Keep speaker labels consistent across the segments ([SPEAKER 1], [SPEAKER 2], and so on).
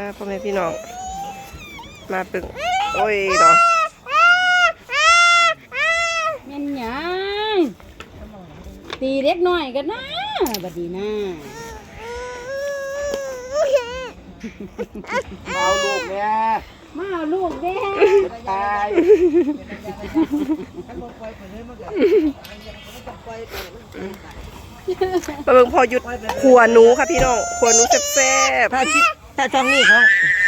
[SPEAKER 1] พ่อแม่พี่น้องมาปึงโอ้ยเนาะ
[SPEAKER 2] แม่นหยังตีเล็กน้อยกันนะบัดนี้นะ
[SPEAKER 3] เอาลูกเนี่ย
[SPEAKER 2] มาเอาลูกเด้
[SPEAKER 3] ตาย
[SPEAKER 1] มาเบิ่งพอหยุดขัวหนูค่ะพี่น้องขัวหนูแซ่บ
[SPEAKER 3] ถ้าจ้องนี่ของ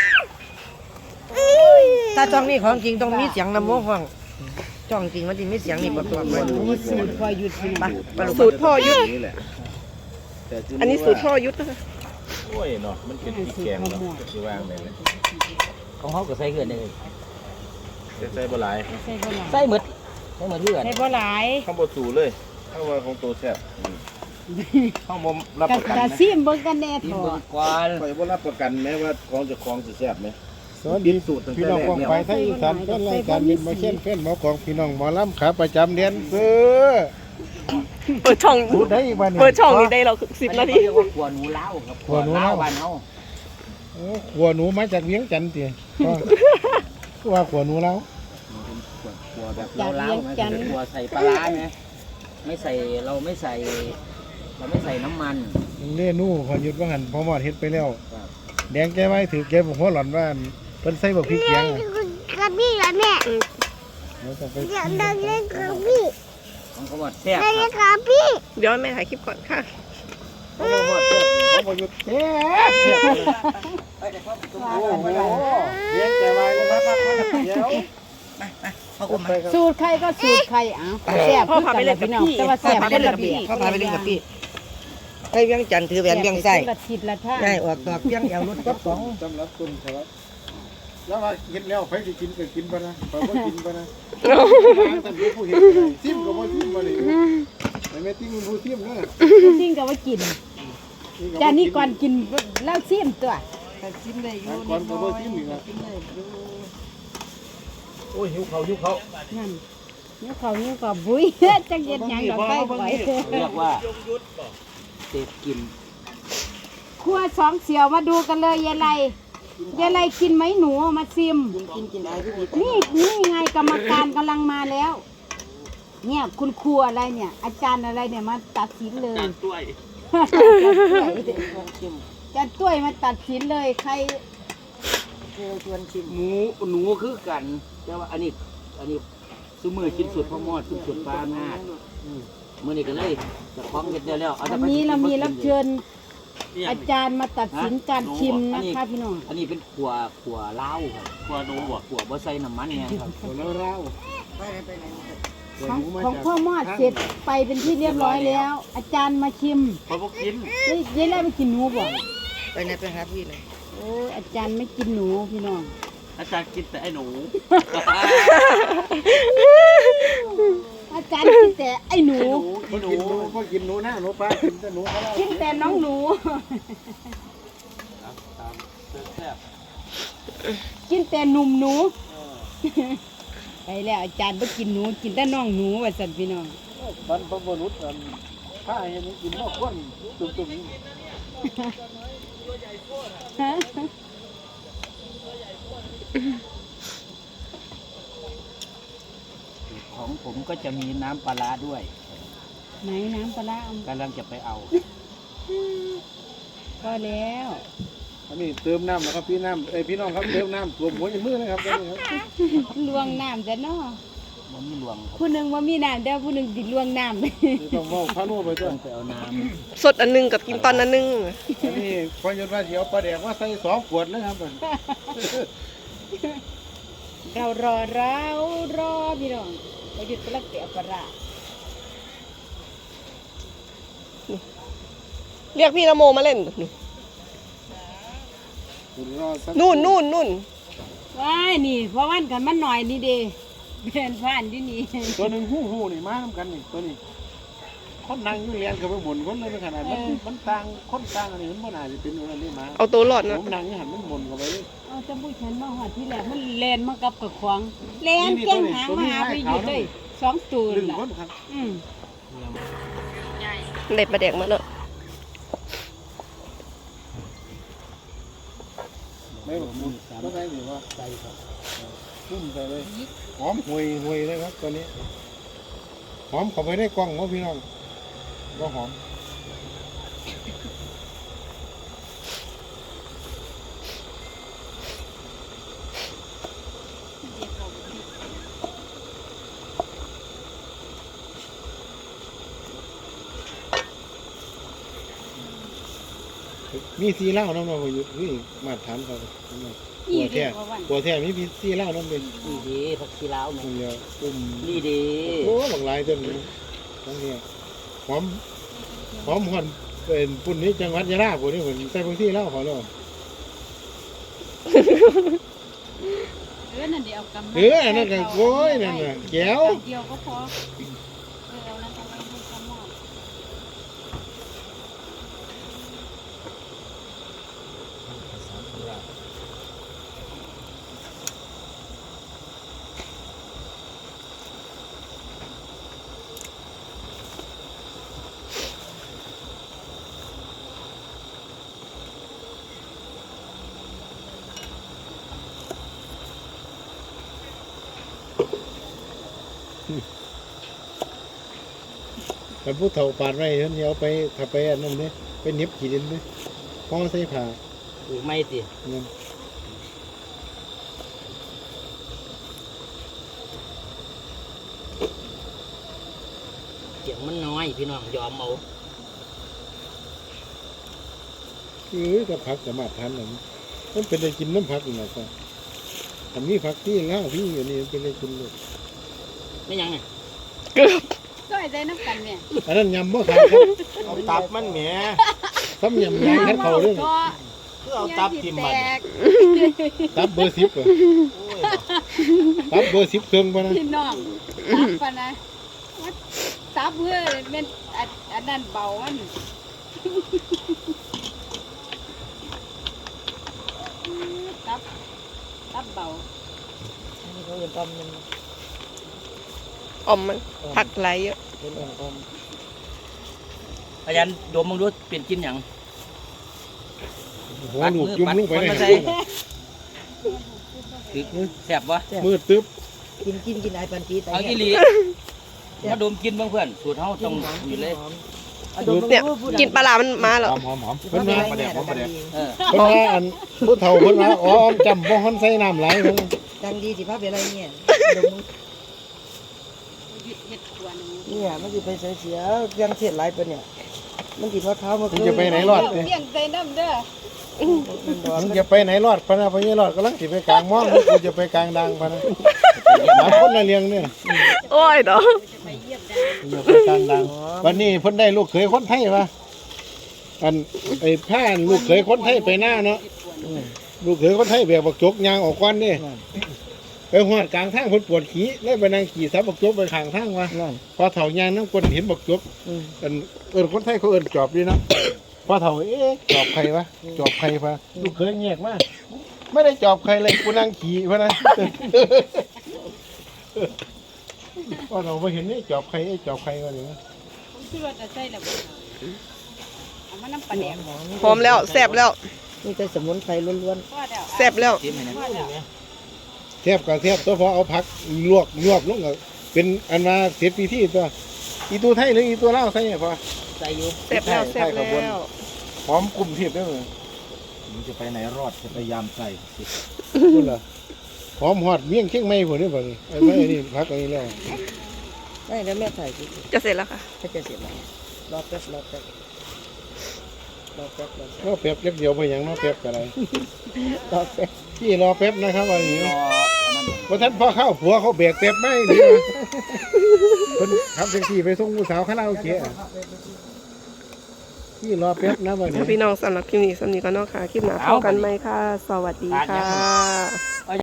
[SPEAKER 3] ถ้าจ้องนี่ของจริงต้องมีเสียงลำโพงฟังจ้องจริงมันจะมีเสียงนี่ประกอบมัน
[SPEAKER 2] มีสูตรพอหยุดพี่น้อง
[SPEAKER 1] ๆสูตรพ่อยุทธอันนี้สูตรพ่อยุทธนะคะ
[SPEAKER 4] โอ้ยเนาะมันเป็นพริกแกงเนาะจะวางได้เลย
[SPEAKER 3] ของเขาก็ใส่เกินเลย
[SPEAKER 4] ใส่บ่หลาย
[SPEAKER 2] ใส่บ่หลาย
[SPEAKER 3] ใส่หมดเพื่อน
[SPEAKER 2] ใส่บ่หลาย
[SPEAKER 4] ข้าวบ่สูเลยข้าวว่าของตัวแซ่บข้าวบ่รับประกัน
[SPEAKER 2] กะ
[SPEAKER 4] นะ
[SPEAKER 2] ซิมเบิ่งกันแน่ถอด
[SPEAKER 3] กวน
[SPEAKER 4] ข่อยบ่รับประกันแม้ว่าของจะของสิแซ่บไหม
[SPEAKER 5] สวัสดีพี่น้องกองไฟไทยอีสานเป็นรายการมิตรมาเช่นเพื่อนหมอของพี่น้องหมอลำขาประจำเดือนเพื่อ
[SPEAKER 1] เปิดช่อง
[SPEAKER 5] พูดได้อีกวัน
[SPEAKER 1] เปิดช่องนี้ได้เรา10 นาที
[SPEAKER 3] เรียกว่าขวหนูเล้าครับขวหนูเล้าบ้านเฮา
[SPEAKER 5] ขัวหนูมาจากเวียงจันทร์ตีว่าขัวหนูแล้ว
[SPEAKER 3] ขวแบบเล้าๆนะขวใส่ปลาร้าไหมไม่ใส่เราไม่ใส่น้ำมัน
[SPEAKER 5] เล่นู่พอหยุดว่าหันพอหมอดเฮ็ดไปแล้วแดงแกไว้ถือแกบอกหัวหล่อนว่าเพิ่นใส่บอกพริกแกง
[SPEAKER 6] กระบี่ละแม่
[SPEAKER 5] เราต้องไป
[SPEAKER 6] อยากได้เล่นกระบี่
[SPEAKER 3] ของเขาบอกแซ่บ
[SPEAKER 6] ได้เล่นกระบี่
[SPEAKER 1] เดี๋ยวแม่ถ่ายคลิปก่อนค่ะ
[SPEAKER 5] พอหยุดเอ๊ะโอ้โหเลี้ยงแกไว้แล้วครับเดี๋ยว
[SPEAKER 2] สูตรใครก็สูตรใครอ้าวแซ่บ
[SPEAKER 1] พ่อพาไปเล่นกับ
[SPEAKER 2] พี่น้อง
[SPEAKER 1] พี่
[SPEAKER 2] แต่ว่าแซ่บคนละแบบ
[SPEAKER 3] เขาพาไปเล่นกับพี่ไปเวียงจันทร์ถือแหวนเวียงไส้
[SPEAKER 2] ละทิศละท่า
[SPEAKER 3] ได้ออกดอกเวียงแอวรถก็สอง
[SPEAKER 5] สำหรับคุณครับแล้วว่ากินแล้วใครจะกินก็กินไปนะใครก็กินไปนะท่านผู้เห็นซิมก็บ่ซิมมาเลยไม่ติ้งผู้ซิมนะ
[SPEAKER 2] จริงก็ว่ากินจานนี้ก่อนกินแล้วซิมตัว
[SPEAKER 3] ชิมได้อยู่
[SPEAKER 5] ก่อนก็บ่ซิมอีกนะ
[SPEAKER 4] โอ้ยหิวเขา
[SPEAKER 2] นั่นเนี่ยเขาบุ้ยจังเย็นหยังดอกไฟไฟ
[SPEAKER 3] เรียกว่าเต็ดกิน
[SPEAKER 2] ครัวสองเสี่ยวมาดูกันเลยยายไรกินไหมหนูมาซิม
[SPEAKER 3] กินไอ้พี่
[SPEAKER 2] นี่ไงกรรมการกำลังมาแล้ว เนี่ยคุณครูอะไรเนี่ย อาจารย์อะไรเนี่ยมาตัดสินเลยอาจารย์ต้วยมาตัดสินเลยใคร
[SPEAKER 3] ชวนชิมหนูคือกันแต่ว่าอันนี้ซุมือกินสุดพ่อมอดกินสุดปลาหน้ามื่อนี้ก็เลยจะคล้องเห็ดได้แล้ว
[SPEAKER 2] วันนี้เรามีรับเชิญอาจารย์มาตัดสินการชิมนะคะพี่น้อง
[SPEAKER 3] อันนี้เป็นขัวเล้าครับขัวหนูขัวบ่ใส่น้ำมันเนี่ยครับ
[SPEAKER 5] แล้วเรา
[SPEAKER 2] ของพ่อมอดเสร็จไปเป็นที่เรียบร้อยแล้ว อาจารย์มาชิม
[SPEAKER 4] เขาบ่กิน
[SPEAKER 2] ยายไรไม่กินหนูบ่
[SPEAKER 3] ไปไหนไปหาพี่เลย
[SPEAKER 2] โอ้ยอาจารย์ไม่กินหนูพี่น้อง
[SPEAKER 4] อาจารย์กินแต่ไอ้หนู
[SPEAKER 2] อาจารย์กินแต่ไอ้หนู
[SPEAKER 5] ก็กินหนูนะหนูปลากินแต่หนูเขา
[SPEAKER 2] กินแต่น้องหนู กินแต่หนุ่มหนู ไปแล้วอาจารย์ไม่กินหนูกินแต่น้องหนูว่าสันพี่น้อง
[SPEAKER 5] บรรพบุรุษถ้าเห็นกินนอกก้นตุ่มๆนี่
[SPEAKER 3] ของผมก็จะมีน้ำปลาด้วย
[SPEAKER 2] ไหนน้ำปลาร้าก
[SPEAKER 3] ำลังจะไปเอา
[SPEAKER 2] ก็แล้ว
[SPEAKER 5] อันนี้เติมน้ำนะครับพี่น้ำพี่น้องครับเติมน้ำตัวหัวในมือนะครับ
[SPEAKER 2] ลวงน้ำแต่นอ
[SPEAKER 3] มันมีหลวงครับ
[SPEAKER 2] ผู้หนึ่งว่ามีน้ำเดี๋ยวผู้หนึ่งติดลวงน้ำ
[SPEAKER 5] ต้องว่าพานุไปด้
[SPEAKER 3] ต้
[SPEAKER 5] ว
[SPEAKER 3] อย งไปเอาน้
[SPEAKER 1] สดอันนึงกับกินตอนอันนึง
[SPEAKER 5] อันนี้พอยศว่าเดี๋ยวปลาแดกว่าใส่2 ขวดนะครับ
[SPEAKER 2] เรารอพี่น้องเราหยุดกระเตียปลาร้า
[SPEAKER 1] เรียกพี่นโมมาเล่นนู่น
[SPEAKER 2] ว้ายนี่เพราะวันกันมันหน่อยนี่เด้เป็นผ่านที่นี่
[SPEAKER 5] ตัวหนึ่งหูนี่มาทำกันนี่ตัวนี้คนนั่งอยู่เรียนกับไปหมุนคนเลยขนาดมันต่างคนต่างอันนี้มันน่าจะเป็นอะไรนี่มา
[SPEAKER 1] เอาตัวรอดนะ
[SPEAKER 5] ผมนั่งอยู่หันมันหมุนเข้าไปเลย
[SPEAKER 2] เอาจำพูดฉันมาหอดที่แหลมมันแลนมากับกระขวางแลนแก้งหางมาหาไปอยู่เลย2 ตัว
[SPEAKER 5] 1
[SPEAKER 2] ล่ะ
[SPEAKER 5] คนครับ
[SPEAKER 1] เด็ดมาแดกมาเนอะ
[SPEAKER 5] มไม่หมดก็ได้หรือว่าใส่ครับพุ่มใส่เลยหอมห่วยเลยครับตอนนี้หอมเข้าไปได้กล้องมั้งพี่น้องก็หอมมีซีเหล้าน้ำเราอยู่นี่มาถามเขาตัวแท้มีซีเหล้าน้ำเป็น
[SPEAKER 3] นี่ดีผักชีลาว
[SPEAKER 5] ตรงเดียวปุ่ม
[SPEAKER 3] นี่ดี
[SPEAKER 5] โอ้บางลายต้นนี้ทั้งนี้หอมหอมเป็นปุ่นนี้จังหวัดยะลาปุ่นนี้ผมใส่บางที่เหล้าเขาแล้ว
[SPEAKER 2] นั่นเดี๋ยวกำ
[SPEAKER 5] นั่นก็โว้ยนั่นน่ะแก้ว
[SPEAKER 2] เดียวก็พอเอานั่นเอาไว้ให้กำหม้อ
[SPEAKER 5] มันผู้เฒ่าปาดไว้ฉันเอาไปถ้าไปอันนั้นเนี่ยไปเน็บขีดินเนี่ยห่อใส่ผ้า
[SPEAKER 3] ไม่ติ
[SPEAKER 5] นั่น
[SPEAKER 3] เสียงมันน้อยพี่น้องยอมเอา
[SPEAKER 5] ก็ผักสามารถทานนั่นมันเป็นได้กินน้ำผักอยู่นะก็ทำนี้ผักที่เหล้าพี่อยู่นี่เป็นได้กินเลย
[SPEAKER 3] ไม่ยังไง
[SPEAKER 2] ก็ไอ้ใจน้ำกันเนี่ย
[SPEAKER 5] อันนั้นยำบ่ขายครับ
[SPEAKER 4] เอาตับมันแหม
[SPEAKER 5] ซ้ำยำยางคัดเขาเรื่อง
[SPEAKER 4] คือเอาตับทิ่มมัน
[SPEAKER 5] ตับเบอร์10อ่ะตับเบอร์10เครื่องป่ะนะ
[SPEAKER 2] พี่น้องตับปะนะตับเพื่อเป็นอันนั้นเบาอันตับเบา
[SPEAKER 3] นี่เขาเรียนต้มมัน
[SPEAKER 1] อมมันผักไหลเยอะ
[SPEAKER 3] เป็นต้มอาจารย์ดมมึงดูเปลี่ยนกินอย่าง
[SPEAKER 5] โอ้โหลูกจุ่มลูกไปไหน
[SPEAKER 3] แซ่บวะ
[SPEAKER 5] มืดตึ๊บ
[SPEAKER 7] กินไอ้ปันปีแต่
[SPEAKER 3] เอาอีหลีมาดมกินบ้างเพื่อนสูตรเฮาต้องมีเลย
[SPEAKER 1] เนี่ยกินปลาร้ามันมาแล้ว
[SPEAKER 5] หอมเพิ่นว่า
[SPEAKER 4] ประเดี๋ยวผมประเดี๋ยว
[SPEAKER 3] เออ
[SPEAKER 5] เพิ่นว่าอันผู้เฒ่าเพิ่นว่าอ๋อจำบ่ฮ้อนใส่น้ำไหลเพิ่น
[SPEAKER 7] ดังดีสิพาไปอะไรเนี่ย
[SPEAKER 2] เห็ดขวาน
[SPEAKER 7] เนี่ยมันจะไปเสียยังเสียหลายปะเนี่ยมันติดว่าเท้ามา
[SPEAKER 5] มึงจะไปไหนรอดเนี่ย
[SPEAKER 2] เลี้ยงใจน้ำเด้อ
[SPEAKER 5] มึงจะไปไหนรอดพะนะพะนี่รอดกำลังสิไปกลางม่องกูจะไปกลางดังพะนะหลายคนละเลี้ยงเนี่ย
[SPEAKER 1] โอ้ยเนาะ
[SPEAKER 5] อย่าไปกลางดังวันนี้เพิ่นได้ลูกเขยคนไทยวะอันไอ้ผ้าลูกเขยคนไทยไปหน้าเนาะลูกเขยคนไทยแบบบักจกยางออกก้อนนี่ไปหอดกลางทางเพิ่นปวดขี้เลยไปนั่งขี่ซับบักจกไปข้างทางวะพอเฒ่ายางน้ำกวนเห็นบักจกอันคนไทยเขาเอิ้นจอบดีเนาะพอเฒ่าจอบใครวะจอบใครวะลูกเขยแยกมาไม่ได้จอบใครเลยกูนั่งขี่พะนะพอเราไปเห็นนี่จอบใครจอบใครวะเนี่ย
[SPEAKER 2] ผมคิดว่าจะใช่แล้วเอามาน้ำปลาแดก
[SPEAKER 1] หอมแล้วแซ่บแล้ว
[SPEAKER 7] นี่แต่สมุนไพรล้วน
[SPEAKER 2] พ่อเดี๋ยว
[SPEAKER 1] แซ่บแล้ว
[SPEAKER 3] จิ้มให้นะ
[SPEAKER 2] พ่อเดี๋ยว
[SPEAKER 5] เทียบกับเทียบตัวพอเอาผักลวกลงกับเป็นอันมาเสียปีที่ตัวอีตัวไทยหรืออีตัวลาวใส่พอ
[SPEAKER 3] ใส่อยู่
[SPEAKER 1] แซ่บแล้วแซ่บแล้ว
[SPEAKER 5] หอมกลุ่มเทียบได้เลย
[SPEAKER 4] มึงจะไปไหนรอดจะพยายามใส่
[SPEAKER 5] นี่เหรอหอมหอดเมี่ยงเชียงใหม่ผมนี่บ่นี่ไอ้ไม่นี่ผักอันนี้แล้ว
[SPEAKER 7] ๆไม่แล้วแม่ถ่ายสิ
[SPEAKER 1] จะเสร็จแล้วค่ะ
[SPEAKER 7] ถ้าจะเสร็จแล้วรอแป๊บ
[SPEAKER 5] ก็แป๊บเล็กเดียวไปอย่างเนาะแป๊บอะไร
[SPEAKER 7] รอแป๊บ
[SPEAKER 5] พี่รอแป๊บนะครับวันนี้
[SPEAKER 3] รออันนั้น
[SPEAKER 5] พอท่านพ่อเข้าผัวเขาแบกแป๊บไม่ดีคนขับแท็กซี่ไปส่งผู้สาวคาราโอเกะพี่รอแป๊บนะวันนี้
[SPEAKER 1] พี่น้องสำหรับคลิปนี้สำหรับนี้ก็เนาะค่ะคลิปหน้าพบกันไหมค่ะ สวัสดีค่ะ